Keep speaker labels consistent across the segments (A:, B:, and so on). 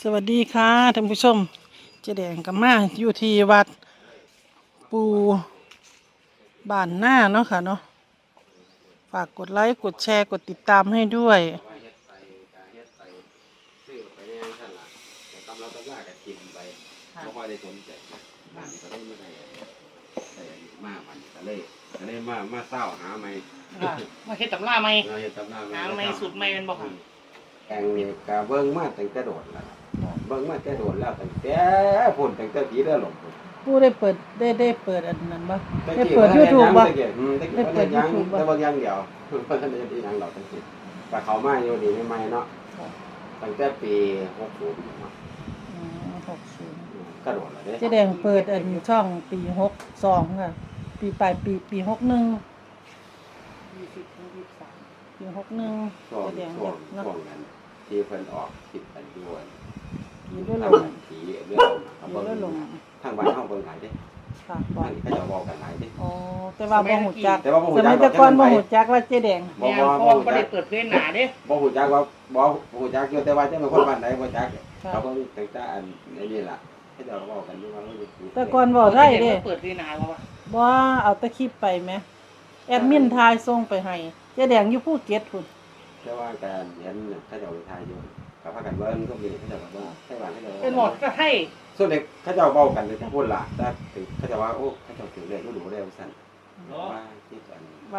A: สวัสดีค่ะท่านผู้ชมเจ๊แดงกับมาอยู่ที่วัดปูบ้านหน้าเนาะค่ะเนาะฝากกดไลค์กดแชร์กดติดตามให้ด้วย
B: ซื้อไปในนั่นล่ะแต่กำลังต้องว่ากับกินไปเพราะว่าได้สนใจนะบ้านก็ได้ไม่ได้แต่มามันก็เลยมาเศร้าหาไม่
C: มาเฮ็ดตำราไหม
B: เราจะตำนาน
C: หาไม่สูตรไม่เป็นบ่ค่ะ
B: แกงนี่กะเบิ้งมาตั้งแต่โดดแล้วเบิ้งมาแต่โดดแล้วตั้งแต่พุ่นตั้งแต่ปีเดือนหลง
A: ปูได้เปิดได้เปิดอันนั้นบ่ได้เปิด YouTube บ่
B: ได้เปิดยังแต่บางอย่างเดียวเพราะฉะนั้นที่ยังเราตั้งแต่แต่เขามาอยู่ดีไม่เนาะตั้งแต่ปี60เนาะ
A: 60
B: กระโดดเลย
A: เจ๊แดงเปิดอันช่องปี62ค่ะปีปลายปี61
C: 20 ถึง
A: ปี61
B: ช่วง
A: เจ๊แดง
B: ช่วง
A: เนาะ
B: ช่วงนั้นที่เพิ่นออกติดกันด้วย
A: ปีด้วยล
B: ทาง
A: ม
B: บ้านผีเรื่องเขา
A: ปีด้วยลม
B: ทางบ้านเฮาเบิ่งหลายเด้
A: ค่ะบ่
B: บ้านเขาจะบอกกันหลายเด้
A: อ๋อแต่ว่าบ่ฮู้จัก
B: แต่ว่าบ่ฮู้
A: ส
B: จั
A: มั
B: ก
A: ยแต่ก่อนบ่ฮู้จักว่าเจ๊แดง
C: 63แม่พ่อบ่ได้เปิดเผยหน้าเด้
B: บ่ฮู้จักว่าบ่ฮู้จักอยู่แต่ว่าจะเป็นคนบ้านไหนบ่จักเขาเบิ่งตั้งแต่อันนี้ล่ะเขาจะบอกกันอยู่ว่ามันอยู่
A: แต่ก่อนเว้าได้เด้
C: เปิดเผยหน้าบ่วะ
A: บ่เอาแต่คลิปไปแหมแอดมินทายส่งไปให้เจ๊แดงอยู่ภูเก็ตพุ่น
B: แต่ว่าการเห็นเขาจะเอาไปทายอยู่กับพากันเบิ่งก็มีเขาจะบอกว่าให้บ้านเขาจะ
C: เป็นหมดก็ให้
B: ส่วนเด็กเขาจะเว้ากันเลยทั้งพุ่นล่ะแต่เขาจะว่าโอ้เขาจะถือเลขบ่รู้แล้วซั่นว่าที่กัน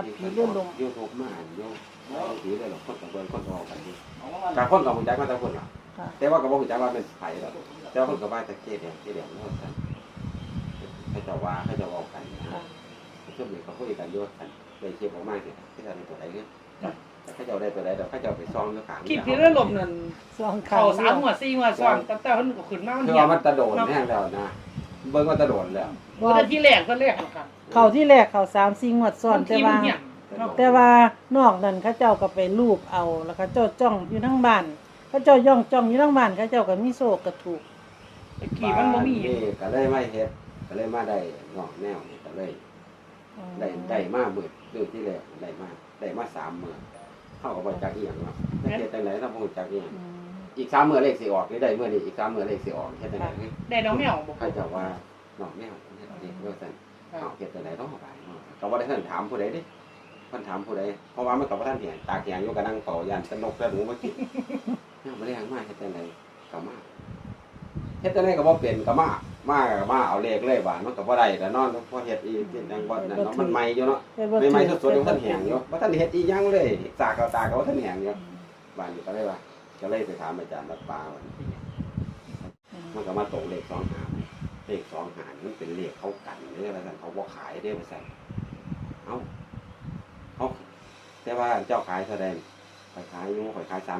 B: YouTube มาอยู่ผีเลยหรอกคนกับเบิ่งคนออกกันอยู่กับคนกับฮู้จักมาแต่พุ่นล่ะ
A: ค่ะ
B: แต่ว่าก็บ่ฮู้จักว่าเป็นไผหรอกแต่ว่าเพิ่นก็ว่าแต่เกเดียวเนาะซั่นเขาจะว่าเขาจะเว้ากันนะ
A: ค่ะ
B: ช่วงนี้เขาคุยกันอยู่กันได้เก็บออกมาสิที่จะได้ตัวใดเนี่ยแต่เขาจะได้ตัวใดเดี๋ยวเขาจะไปซ่องอยู่ข้าง
C: คลิปที่เรื่องลมนั่น
A: สอง
C: เข้า3หัว4หัวซ้อนตั้งแต่เพิ่นก็ขึ้นมามัน
B: คือ
C: เหี่ย
B: ว่ามันตะโดนแห้งแล้วนะเบิ่งว่าตะโดนแล้ว
C: บ่ได้ที่แรกเพิ่นแรกค่ะ
A: เข้าที่แรกเข้า3-4งวดซ้อนแต่ว่านอกนั้นเขาเจ้าก็ไปรูปเอาแล้วเขาเจ้าจ้องอยู่ทั้งบ้านเขาเจ้าย่องจ้องอยู่ทั้งบ้านเขาเจ้าก็มีโชคก็ถูก
C: ตะกี้มันบ่มี
B: ก็เลยไม่เฮ็ดก็เลยมาได้งอกแนวนี่ก็เลยได้มาเบิดเรื่องที่แรกได้มา3มื้อเฮาก็บ่จักอีหยังเนาะแต่เฮ็ดจังได๋เราบ่รู้จักอีหยังอีก3มื้อเลขสิออกนี่ได้มื้อนี้อีก3มื้อเลขสิออกเฮ็ดจังได๋
C: ได้น้องแมวบ่
B: เขาจะว่าน้องแมวเฮ็ดเองว่าซั่นเอาเฮ็ดจังได๋ต้องเอาไปเนาะก็บ่ได้ทันถามผู้ใดเด้เพิ่นถามผู้ใดเพราะว่ามันก็บ่ทันเห็นตากแข็งอยู่ก็นั่งเฝ้าย่านสนุกแล้วหนูมากินเนี่ยบ่ได้หยังมาเฮ็ดจังได๋ก็มาเฮ็ดจังได๋ก็บ่เป็นก็มาเอาเลขเลยบาดมันก็บ่ได้แต่นอนพอเฮ็ดอีกจังบ่นั่นเนาะมันใหม่อยู่เนาะใหม่ๆสดๆยังบ่ทันแห้งอยู่บ่ทันเฮ็ดอีหยังเลยตากก็บ่ทันแห้งอยู่บาดนี้ก็เลยว่าก็เลยไปถามอาจารย์วัดป่าว่ามันก็มาตกเลข25เลข25นี่มันเป็นเลขเขากันเด้อว่าซั่นเขาบ่ขายเด้อว่าซั่นเอ้าเขาแต่ว่าเจ้าขายแสดงข่อยขายอยู่ข่อยขาย35%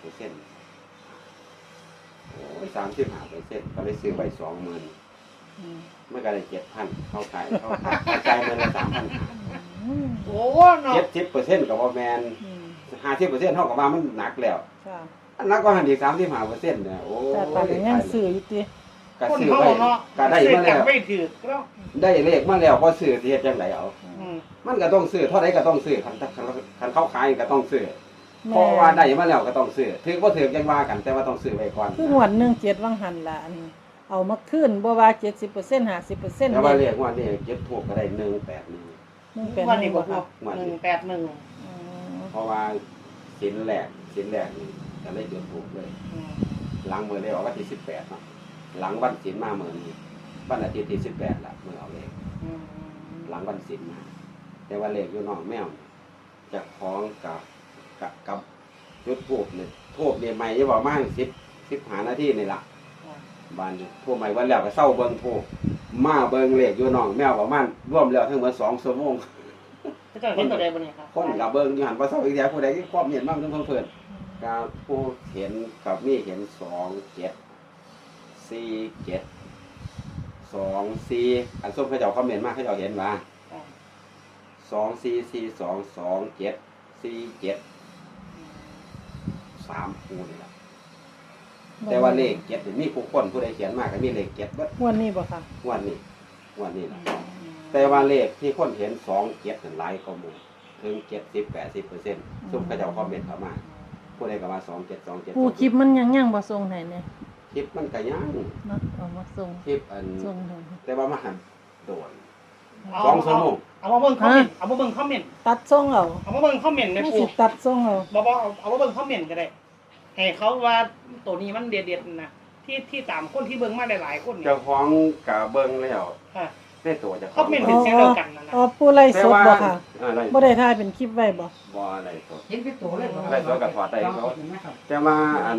B: โอ้ย35%ก็เลยซื้อไป 20,000มันก็ได้ 7,000เขาขายจ่ายเงินละ 3,500
C: โอ้เนาะ
B: 70%ก็บ่แม่น50%เฮาก็ว่ามันหนักแล้ว
A: ค่ะ
B: อันนั้นก็หันอีก35%เนี่ยโอ้
A: แต่ปานนี้ยังซื้ออยู่ติ
B: ก็
C: คน
B: ซื้อ
C: เฮา
B: ไป
C: เนาะ
B: ก็ได้มาแล้ว
C: ไม่ถือแล้ว
B: ได้เลขมาแล้วพอซื้อสิเฮ็ดจังไดเอา
C: อืม
B: มันก็ต้องซื้อเท่าใดก็ต้องซื้อคันเขาขายก็ต้องซื้อเพราะว่าได้มาแล้วก็ต้องซื้อถือบ่ถือจังว่ากันแต่ว่าต้องซื้อไว้ก่อน
A: คืองวด17วังหันล่ะอันเอามาคืนบ่ว่า70% 50%
B: แต่ว่าเลขว่านี่เก็บถูกก็ได้181
C: วันนี้บ่พ
A: ค่ะ
C: อ181
B: เพราะว่าสินแรกนี่ก็เลยจุดถูกเลย หลังมื้อเลยออกวันที่18เนาะหลังวันศีลมามื้อนี้วันอาทิตย์ที่18ล่ะมื้อเอาเลข หลังวันศีลมาแต่ว่าเลขอยู่นอกแมวเจะคล้าของกับจุดทูบเนี่ยทูบเนี่ยใหม่จะบอกมา10 15 นาทีนี่ล่ะบ้านนี้ทูบใหม่วันแล้วก็เศร้าเบิ่งทูบมาเบิ่งเลขอยู่นอกแมวประมาณรวมแล้วทั้งหมด2 ชั่วโมง
C: จะเห็นตัวใดบ่เนี่ยครับ
B: คนกับเบิ่งอยู่หันบ่เศร้าอีกแล้วผู้ใดที่ความเห็นมากเพิ่นก็ผู้เห็นกับมีเห็น2 7 4 7 2 4อันส้มเขาเจ้าคอมเมนต์มาเขาเจ้าเห็นว่า2 4 4 2 2 7 4 7 3คู่นี่ล่ะแต่ว่าเลข7นี่มีผู้ใดเขียนมาก็มีเลข7เบิด
A: งวดนี้บ่ค่ะ
B: งวดนี้ล่ะแต่ว่าเลขที่คนเห็น2 7นั่นหลายกว่าหมู่ถึง70-80%ซุมเขาเจ้าคอมเมนต์เข้ามาผู้ใดก็ว่า2 7 2 7
A: ผู้คลิปมันยังบ่ส่งให้เนี่ย
B: คคลิปมันก็ยัง
A: เนาะเอามาส่ง
B: คลิปอัน
A: ส่งให้
B: แต่ว่ามาหันโดน
C: เอา
B: 2 ชั่วโมง
C: เอามาเบิ่งคอมเมนต์เอามาเบิ่งคอมเมนต์
A: ตัดส่งเอา
C: เอามาเบิ่งคอมเมนต์ใน
A: ไม่
C: ปู
A: สิตัดส่งเอา
C: บ่เอามาเบิ่งคอมเมนต์ก็ได้ให้เขาว่าตัวนี้มันเด็ดๆนะที่ตามคนที่เบิ่งมาหลายๆคนเนี่ย
B: เจ้าของก็เบิ่งแล้ว
C: ค่ะ
B: ได้ตัวเจ้าข
C: คอ
B: อ
C: ม
B: ง
C: เมนต์เป็นเสียงเดียวกันนะ
A: อ๋อผู้ไล่สดบ่ค่ะ
B: อะไร
A: บ่ได้ถ่ายเป็นคลิปไว้บ่
B: บ่อะไรสด
D: เห็นเป็นตัวเลย
B: ได้ตัวกับถอดได้เขา
D: เห็นไหมครับ
B: แต่ว่า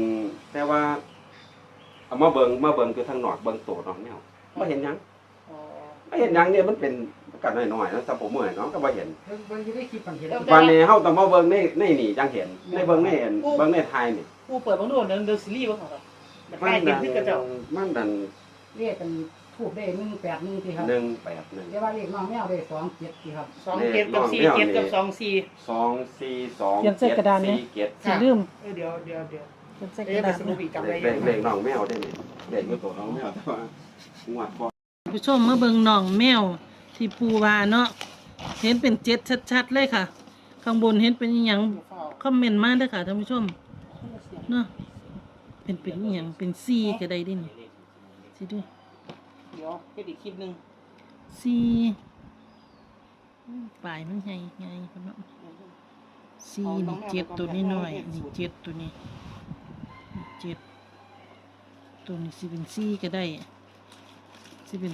B: เอามาเบิ่งคือทางนอกเบิ่งตัวน้องแมวบ่เห็นหยัง
C: อ๋อ
B: บ่เห็นหยังเนี่ยมันเป็นกันน้อยๆนะสำผมเมื่อยเนาะก็บ่เห็น
D: เบิ่งอยู่ในคลิปมันเห็น
B: วันนี้เฮาต้องมาเบิ่งในนี่จังเห็นในเบิ่งในเห็นเบิ่งในไทยนี่
C: ปูเปิดเบิ่งดูเดินซีรีส์เบิ่งเอาครับแบบใกล้เห็นขึ้นกระเจ้า
B: มันดัน
D: เรียกกันทูบได้181ที่ครับ
B: 181
D: เรียกว่าเลขน้องแมวได้27ที่ครับ
C: 2 กับ4 7กับ2 4
B: 242
A: เขียนใส่กระดานนี่ สิลืม
C: เดี๋ยว
A: เขียนใส่ก
C: เอ๊ะ
A: ระ
C: ไป
A: ดาษ
C: สรุปอีกจำได้
B: เลขน้องแมวได้นี่เลขอยู่ตัวน้องแมวแต่ว่างวดก่อน
A: ผู้ชมมาเบิ่งน้องแมวที่ปูว่าเนาะเห็นเป็น7ชัดๆเลยค่ะ ข้างบนเห็นเป็นอีหยังคอมเมนต์มาเด้อค่ะท่านผู้ชมเนาะเป็นอีหยังเป็น4ก็ได้เดินี่สิดู
C: เดี๋ยวเฮ็ดอีกคลิปนึง
A: 4ปลายมันใหญ่พุ่นเนาะ4นี่7ตัวนี้น้อยนี่7ตัวนี้7ตัวนี้สิเป็น4ก็ได้สิเป็น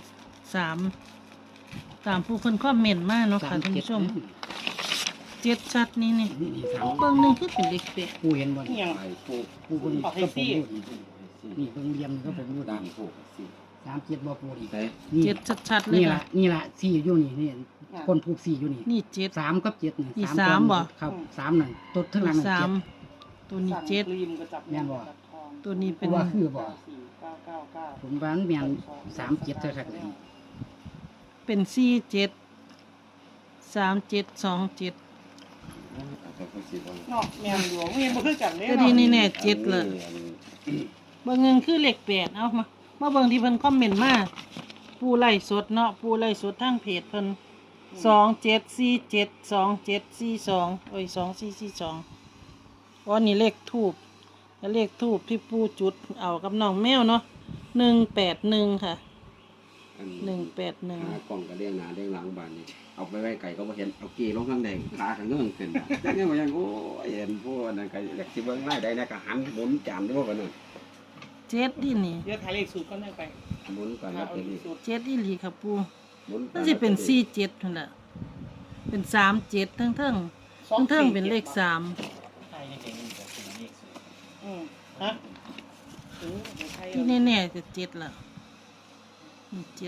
A: 3ตามผู้คนคอมเมนต์มาเนาะค่ะท่านผู้ชม7ชัดนี่นี่
D: นี่สาม
A: เบิ่งหนึงคือเป็นเลขแปด
D: ผู้เห็นบ่
C: นี่ยัง
B: ไปปลูก
D: ผู้คน
C: เอาให้
D: ก็ผ
C: ซี่
D: มอยู่นี่เบิ่งเรียมก็ผมอยู่
B: ตามปลูกสิ
D: 37บ่ปูอีก
B: แต่
D: นี่
A: 7ชัดๆเลย
D: นี่
A: ค่ะ
D: ล่ะนี่ล่ะ4อยู่นี่คนผูก4อยู่นี่
A: นี่7
D: 3กับ7นี่
A: นี่
D: 3
A: สามบ่
D: ครับ3นั่นตัวทั้งหลังนั่น
A: 3
D: 7
A: ตัวนี้
C: สั่งรีมก็จับ
D: แม่นบ่
C: จับทอง
A: ตัวนี้เป็น
D: ว่าคือบ่
C: 94999
D: ผมว่ามันแม่น37เท่านั้นเลย
A: เป็น4 7 3 7 2 7
C: เนาะแม่นหลวงเห็นบ่คือกันเด้
A: ก็
C: เนาะ
A: ดีนี่แน่7เลยเบิ่งเงินคือเลข8เอามาเบิ่งที่เพิ่นคอมเมนต์มาผู้ไล่สดเนาะผู้ไล่สดทางเพจเพิ่น2747 2742โอ้ย2442อ๋อนี่เลขทูปแล้วเลขทูปที่ปู่จุดเอากับน้องแมวเนาะ181ค่ะ181
B: หากล่องก็เลี้ยงหน้าเลี้ยงหลังบ้านนี่เอาไปไว้ไก่ก็บ่เห็นเอากี้ลงข้างแดงขาข้างเงื่อนขึ้นจังไง๋บ่ยังโอ้ยเห็นพวกนั้นก็อยากสิเบิ่งรายได้นะก็หันหมุนจานด้วยว่ากันนั่น
A: 7ดินี่
C: เดี๋ยวถ่ายเลขสูตรก่อนได้ไป
B: หมุนก่อนแล้ว
C: เอา
B: เป็น
C: เล
B: นี่
C: ขสูตร
A: 7อีหลีครับปู่
B: หมุนก่อ
A: มันสิเป็น47นั่นแหละเป็น37ทั้งเป็นเลข3
C: ฮะใช่
A: ที่แน่ๆจะ7ล่ะนี่7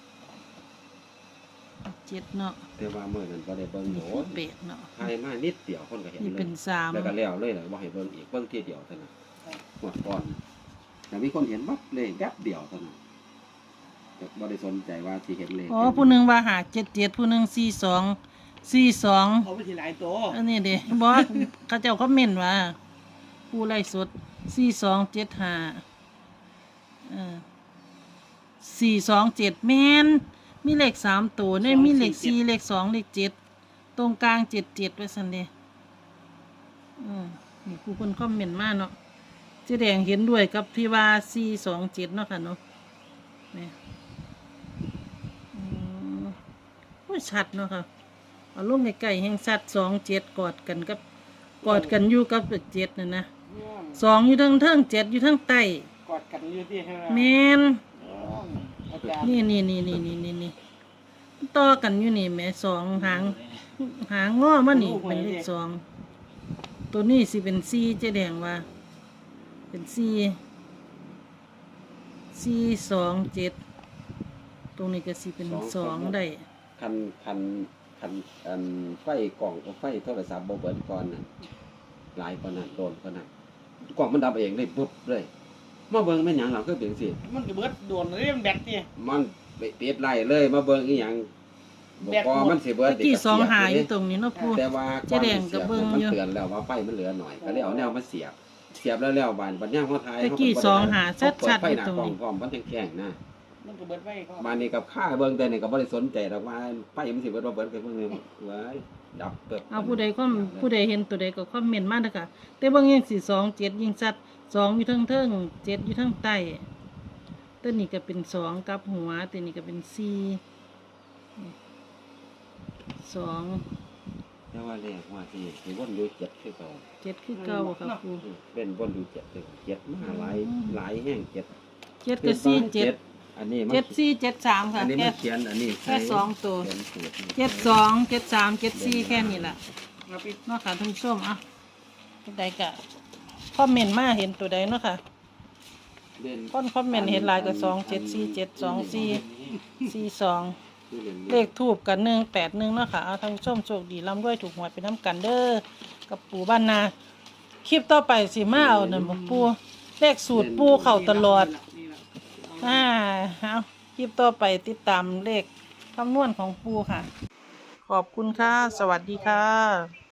A: เนาะ
B: แต่ว่ามื้อนั้นบ่ได้เบิ่ง
A: นี่
B: โห
A: คือ8เนาะ
B: ใครมานิดเดียวคนก็เห็น
A: นี่
B: เล
A: เป็
B: ย
A: น
B: แล้วก็
A: 3
B: แล้วเลยล่ะบ่ให้เบิ่งอีกเบิ่งทีเดียวเท่านั้นหมดก่อนแต่มีคนเห็นปั๊บเลยแป๊บเดียวเท่านั้นแต่บ่ได้สนใจว่าสิเห็นเลย
A: อ๋อผู้หนึงว่าหา77ผู้หนึง42
C: เอาไปทีหลายตัว
A: อันนี้เด้บ่เขาเจ้าคอมเมนต์ว่าผู้ไล่สด4275427แม่นมีเลข3ตัวได้มีเลข4เลข2เลข7ตรงกลาง77ไว้ซั่นเด้นี่ผู้คนคอมเมนต์มาเนาะเจ๊แดงเห็นด้วยกับที่ว่า427เนาะค่ะเนาะนี่โอ้ยชัดเนาะค่ะเอาลงใกล้ๆแห่งชัด27กอดกันอยู่กับ7นั่นนะ2อยู่เทั้ง7อยู่เทั้งใต้
C: กอดกันอยู่ที่ให้
A: แม่น
C: อาจารย์
A: นี่ต่อกันอยู่นี่แหม่2หางง้อมานี่เป็นเลข2ตัวนี้สิเป็น4เจ๊แดงว่าเป็น427ตรงนี้ก็สิเป็น2ได้
B: คันอันไฟกล่องกับไฟโทรศัพท์บ่เบิดก่อนน่ะหลายกว่านั้นโดนกว่านั้นกล่องมันดับเองเลยปุ๊บเลยมาเบิ่งแม่นหยังหลังคือเป็นสิ
C: มันก็เบิดโดนเรื่องแบตนี่
B: มันไปปิดไล่เลยมาเบิ่งอีหยังบอกว่ามันสิเบิด
A: ตะกี้2หาอยู่ตรงนี้เนาะปู่
B: แต่ว่า
A: เจ๊แดงก็เบิ่งอยู่
B: มันเตือนแล้วว่าไฟมันเหลือหน่อยก็เลยเอาแนวมาเสียบแล้วบานบัดย่างเฮาทาย
A: ตะกี้2หาชัดๆ
B: ไฟ
A: อยู่
B: หน้า
A: ตรง
B: กล่อง
A: นี้
B: พร้อมมันแข็งๆนะ
C: มันก็เบิดไว้ก็
B: บานนี้กับข้าเบิ่งแต่นี่ก็บ่ได้สนใจดอกว่าไฟมันสิเบิดบ่เบิดก็เบิ่งเลยเว้ยดับเปิบ
A: เอาผู้ใดเห็นตัวใดก็คอมเมนต์มาเด้อค่ะแต่เบิ่งยัง427ยิ่งชัด 2อยู่เทิงๆ7อยู่เทิงใต้ตัวนี้ก็เป็น2กับหัวตัวนี้ก็เป็น4 2
B: แต่ว่าเลขว่าที่สิวนอยู่เจ็ดคือเก่า
A: 7คือเก่าค่ะครู
B: เป็นวนอยู่เจ็ดคือเจ็ดมาหลายแห้งเจ็ด
A: 7กับ4 7
B: อันนี้มัน
A: 7 4 7 3ค่ะ
B: อันนี้
A: แค่
B: มันเขียนอันนี้
A: แค่สองตัว
B: เขียนสูตรนี่
A: 7 2 7 3 7 4แค่นี้ล่ะ
C: เอาไป
A: เนาะค่ะท่านผู้ชมอ่ะตัวใดก็คอมเมนต์มาเห็นตัวใดเนาะค่ะ
B: เล่น
A: คนคอมเมนต์เห็นหลายก็2 7 4 7 2 4 4 2
B: คือเล่น
A: เลขทูบกัน181เนาะค่ะเอาท่านผู้ชมโชคดีร่ำรวยถูกหวยไปน้ำกันเด้อกับปู่บ้านนาคลิปต่อไปสิมาเอานั่นบ่ปู่เลขสูตรปู่เข้าตลอด
C: นี่ล่ะ
A: เอาคลิปต่อไปติดตามเลขคำนวณของปู่ค่ะ ขอบคุณค่ะ สวัสดีค่ะ